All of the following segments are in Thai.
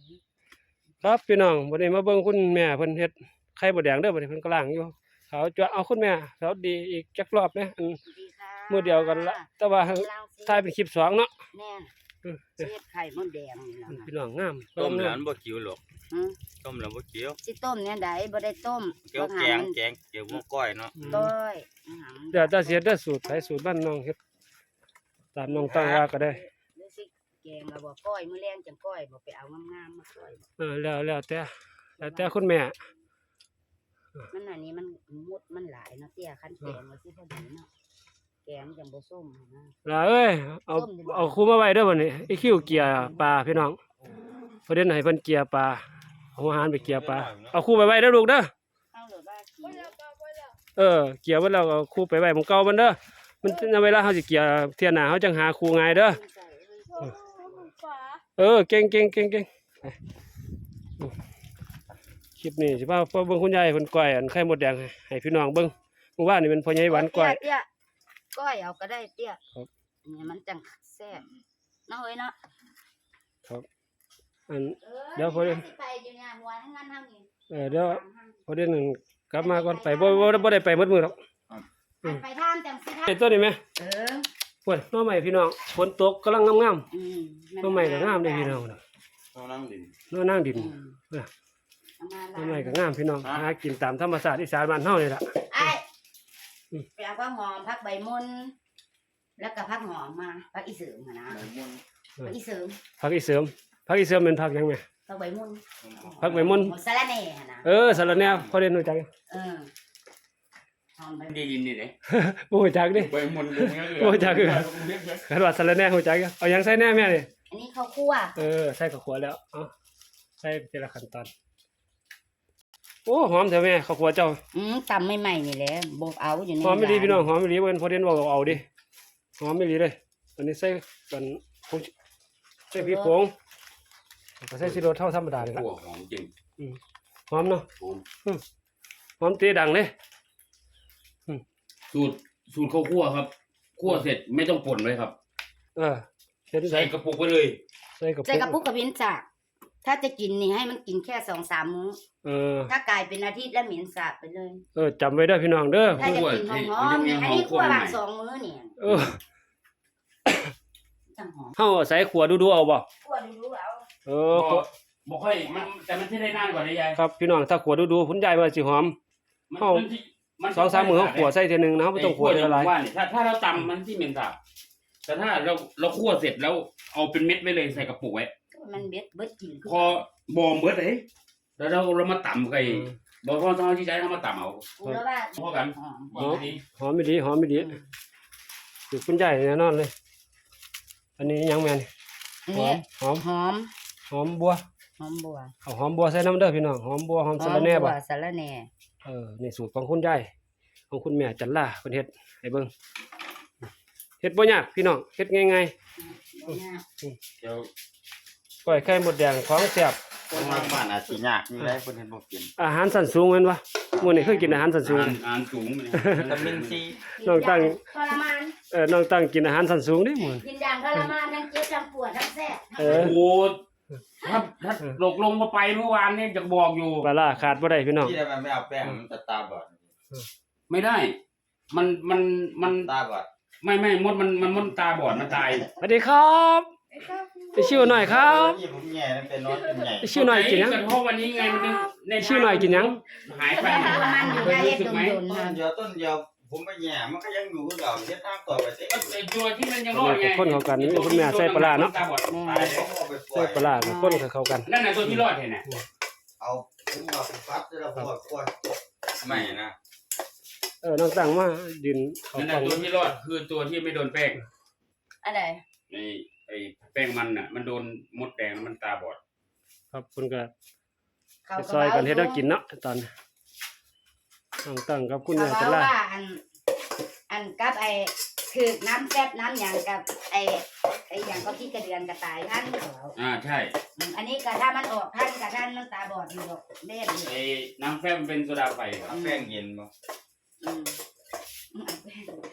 ครับพี่น้องวันนี้มาเบิ่งคุณแม่เพิ่นเฮ็ดไข่มดแดงเด้อบัดนี้เพิ่นกำลังอยู่เขาจะเอาคุณแม่เขาดีอีกจักรอบนะมื้อเดียวกันละแต่ว่าถ่ายเป็นคลิป2เนาะแน่เฮ็ดไข่มดแดงนี่ล่ะพี่น้องงามต้มแล้วบ่กิ้วหรอกต้มแล้วบ่กิ้วสิต้มเนี่ยได้บ่ได้ต้มเกี่ยวแกงเกี่ยวกับก้อยเนาะต้อยเดี๋ยวจะเสียเด้อสูตรไผสูตรบ้านน้องเฮ็ดตามน้องตั้งว่าก็ได้หรือสิแกงแล้วบ่ก้อยมื้อแรงจังก้อยบ่ไปเอางามๆมาก้อยแล้วแต่คุณแม่มันอันนี้มันมุดมันหลายเนาะเตี้ยคันแกงว่าสิพอดีเนาะแกงจังบ่ส้มนะล่ะเอ้ยเอาคู่มาไว้เด้อบัดนี้ไอ้คิวเกียร์ปลาพี่น้องประเด็นให้เพิ่นเกียร์ปลาเอาอาหารไปเกียร์ปลาเอาคู่ไปไว้เด้อลูกเด้อเอาหรือว่ากินเกียร์ไว้แล้วก็คู่ไปไว้หม้องเก่ามันเด้อมันเวลาเฮาสิเกียร์เที่ยหน้าเฮาจังหาคู่ง่ายเด้อเก่งคลิปนี้สิพาเบิ่งคุณยายเพิ่นก้อยอันไข่มดแดงให้พี่น้องเบิ่งเมื่อวานนี่เป็นพ่อใหญ่หวานก้อยเตี้ยก้อยเอาก็ได้เตี้ยครับนี่มันจังแซ่บเนาะเอ้ยเนาะครับอันเดี๋ยวพอเดี๋ยวไปอยู่เนี่ยหัวทั้งนั้นทั้งนี้เดี๋ยวพอเดี๋ยวหนึงกลับมาก่อนไปบ่ได้ไปหมดมื้อหรอกไปทานจังสิทานไอ้ตัวนี้แม่ ปวดน้อใหม่พี่น้องฝนตกกำลังงามๆน้อใหม่ก็งามได้พี่น้องน้อนั่งดินน้อใหม่ก็งามพี่น้องหากินตามธรรมชาติอีสานบ้านเฮานี่ล่ะไอ้ไปเอาผักหอมผักใบมุนแล้วก็ผักหอมมาผักอีเสริมนะผักอีเสริมผักอีเสริมเป็นผักหยังแม่ผักใบมุนผักใบม่อนสะระแหน่นะสะระแหน่พอเรียนรู้จักหอมใบได้ยินนี่เด้บ่รู้จักดิใบมนต์บ่รู้จักคันว่าสะระแหน่รู้จักเอาหยังใส่แหน่แม่นี่อันนี้ข้าวคั่วใส่ข้าวคั่วแล้วเอาใส่ทีละขั้นตอนโอ้หอมแท้แม่ข้าวคั่วเจ้าตำใหม่ๆนี่แหละบ่เอาอยู่ในหอมไม่ดีพี่น้องหอมไม่ดีเพิ่นพอเรียนว่าเอาดิหอมไม่ดีเลยอันนี้ใส่กันผงใส่พริกผงก็ใส่ซีโรสเท่าธรรมดาเลยครับหัวหอมจริงหอมเนาะหอมหอมตีดังเลยสูตรข้าวคั่วครับคั่วเสร็จไม่ต้องป่นไว้ครับเฮ็ดใส่กระปุกไว้เลยใส่กระใส่กระปุกกับพินจากถ้าจะกินนี่ให้มันกินแค่ 2-3 มื้อถ้ากลายเป็นอาทิตย์แล้วเหม็นสาบไปเลยจำไว้เด้อพี่น้องเด้อถ้าจะกินหอมๆเนี่ยอันนี้คั่วบาง2 มื้อเนี่ยจังหอมเฮาใส่ขัวดูๆเอาบ่คั่วดูๆเอาบ่ค่อยมันแต่มันใช้ได้นานกว่าได้ยายครับพี่น้องถ้าขัวดูๆคุณยายว่าสิหอม 2-3 มื้อเฮาขัวใส่เทื่อนึงนะเฮาบ่ต้องขัวเทื่อละหลายถ้าเราตำมันที่เหม็นสาบแต่ถ้าเราคั่วเสร็จแล้วเอาเป็นเม็ดไว้เลยใส่กระปุกไว้มันเบิดกินพอบอมเบิดเลยแล้วเรามาตำไก่บอกพ่อต้องเอาที่ใช้เรามาตำเอาแล้วว่าพอกันหอมไม่ดีสิคุณยายแน่นอนเลย อันนี้ยังแม่นหอมบัวหอมบัวเอาหอมบัวใส่น้ำเด้อพี่น้องหอมบัวหอมสะระแหน่บ่สะระแหน่นี่สูตรของคุณยายของคุณแม่จันลาเพิ่นเฮ็ดให้เบิ่งเฮ็ดบ่ยากพี่น้องเฮ็ดง่ายๆเดี๋ยวก้อยไข่มดแดงของแซ่บคนทางบ้านอาจสิยากนี่แหละคนเห็นบ่กินอาหารสันสูงแม่นบ่มื้อนี้เคยกินอาหารสันสูงอ่านสูงเลยวิตามินซีน้องตั้งทรมานน้องตั้งกินอาหารสันสูงเด้มื้อกินอย่างทรมานทั้งเจ็บทั้งปวดทั้งแสบโอ้โหถ้าหลกลงมาไปเมื่อวานเนี่ยจะบอกอยู่ปลาร้าขาดบ่ได้พี่น้องที่ทำไมไม่เอาแป้งมันจะตาบอดไม่ได้ มันตาบอดไม่มดมันตาบอดมันตายสวัสดีครับไปชิวหน่อยครับที่ผมแง่เป็นน้อยเป็นใหญ่ไปชิวหน่อยกินยังเพราะวันนี้ไงมันในชิวหน่อยกินยังหายไปทรมานอยู่ได้เย็ดโดนต้นเดียวผมไปแง่มันก็ยังอยู่กับเราเทียบทางต่อไปเต้ไอ้ตัวที่มันยังรอดไงคนเข้ากันนี่คุณแม่ใส่ปลาร้าเนาะตาบอดตายแล้วเอาไปปล่ใส่อยปลาร้ากับคนเข้ากันนั่นน่ะตัวที่รอดเห็นน่ะเอาผมเอาไปฟัดแล้วผมปล่อยไม่นะน้องตั้งมาดินเขานั่นฟัน่ะงตัวที่รอดคือตัวที่ไม่โดนแป้งอะไรไอ้แป้งมันน่ะมันโดนมดแดงแล้วมันตาบอดครับคุณก็ซอยกันเฮ็ดให้กินเนาะตอนน้องตั้งกับคุณเขาแม่จันลาว่าอันกับไอ้คือน้ำแซ่บน้ำอย่างกับไอ้อย่างเขาที่กระเดือนกระต่ายท่านเขาใช่อันนี้ก็ถ้ามันออกท่านกับท่านมันตาบอดอยู่ดอกเล่นไอ้น้ำแฟบมันเป็นโซดาไฟครับเอาแป้งเย็นมา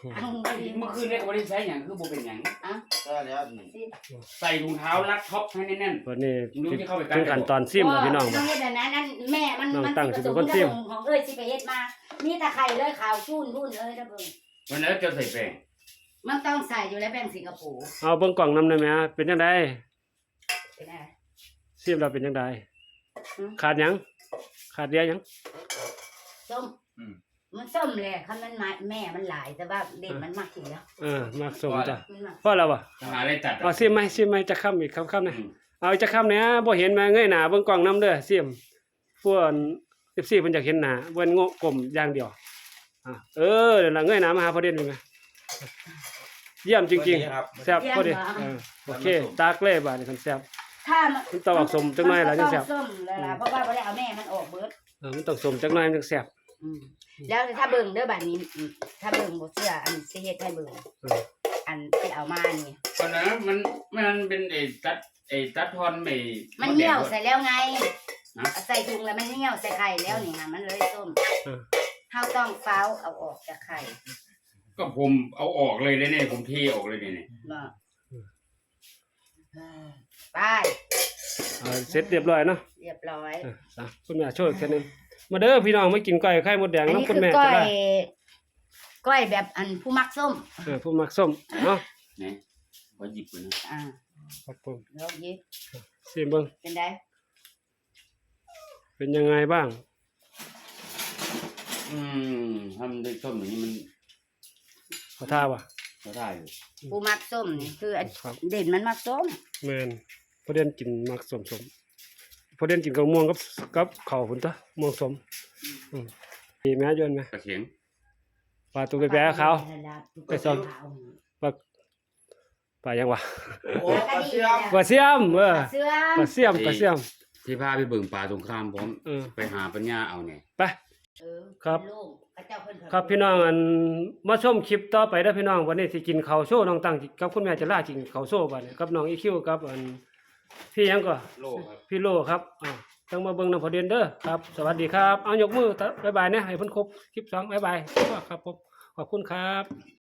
เมื่อคืนเนี่ยก็บ่ได้ใช้หยังคือบ่เป็นหยังก็แล้วนี่ใส่ถุงเท้ารัดท็อปให้แน่นวันนี้ๆรู้ที่เข้าไปกัถึงขั้นตอนซิมแล้วพี่น้องน้องเฮ็ดแบบนั้นนั่นแม่มันน้องมันตั้งสิเป็นคนซิมของเอ้ยสิไปเฮ็ดมามีแต่ไข่เลยขาวชุ่นรุ่นเอ้ยนะเบิ่งวันนั้นจะใส่แป้งมันต้องใส่อยู่แล้วแป้งสิงคโปร์เอาเบิ่งกล่องนำได้ไหมเป็นจังไดเป็นไงซิมเราเป็นจังไดอืมขาดหยังขาดเดียหยังส้มมันส้มแหละคันมันมาแม่มันหลายแต่ว่าเด็กมันมากกินแล้วมักสมจ้ะมันมากพอแล้วบ่หาอะไรตัดเอาซิมไหมจะค้ำอีกค้ำๆนะเอาอีกจะค้ำเนี่ยบ่เห็นมาเงยหน้าเบิ่งกล่องนำเด้อซิมพวก FC เพิ่นอยากเห็นหน้าเบิ่นโง่กลมอย่างเดียวเดี๋ยวล่ะเงยหน้ามาหาพอเด่นนี่แม่เยี่ยมจริงๆแซ่บพอดีโอเคตากเลยบาดนี้คันแซ่บถ้ามันมันต้องออกสมจักหน่อยล่ะจังแซ่บส้มแล้วล่ะเพราะว่าบ่ได้เอาแม่มันออกเบิดมันต้องสมจักหน่อยมันจังแซ่บแล้วถ้าเบิ่งเด้อบัดนี้ถ้าเบิ่งบ่เชื่ออันสิเฮ็ดให้เบิ่งอันที่เอามานี่ตอนนั้นมันเป็นตัดทอนไม่มันเหี่ยวใส่แล้วไงใส่ถุงแล้วมันเหี่ยวใส่ไข่แล้วนี่ค่ะมันเลยส้มเฮาต้องเฝ้าเอาออกจากไข่ก็ผมเอาออกเลยเนี่ยผมเทออกเลยเนี่ยบ่ไปเสร็จเรียบร้อยเนาะเรียบร้อยคุณแม่ช่วยแค่นึงมาเด้อพี่น้องมากินก้อยไข่มดแดงอันน้ำนี้คุคืณอแม่ก้อจะได้ยก้อยแบบอันผู้มักส้มผู้มักส้มเนาะนี่ขอหยิบก่อนนะครับผมแล้วยิบซิมเบิ่งเป็นไดเป็นยังไงบ้างทำด้วยส้มอย่างนี้มันขอท่าว่ะก็ได้อยู่ผู้มักส้มนี่คืออันครับเด่นมันมักส้มแม่นพอเด่นกินมักส้มพอเด่นกินกับม่วงกับข้าวพุ่นตะม่วงส้มมีแม่ยนไหมกระเขียงปลาตัวแปะๆขาว ไปซ่อม ปลายังวะโอ้ปลาเสียมปลาเสียมเสื้อปลาเสียมปลาเสียมที่พาไปเบิ่งป่าสงครามพร้อมเออไปหาปัญญาเอาเนี่ยไป ครับเป็นลูกพระเจ้าเพิ่นครับพี่น้องอันมาชมคลิปต่อไปเด้อพี่น้องวันนี้สิกินข้าวโซ่น้องตั้งกับคุณแม่จะล่ากินข้าวโซ่บัดนี้กับน้องอีคิวกับอันพี่หยังก็โลครับพี่โลครับต้องมาเบิ่งนำพอเด่นเด้อครับ สวัสดีครับเอายกมือบ๊ายบายนะให้เพิ่นครบคลิป2บ๊ายบายครับผมขอบคุณครับ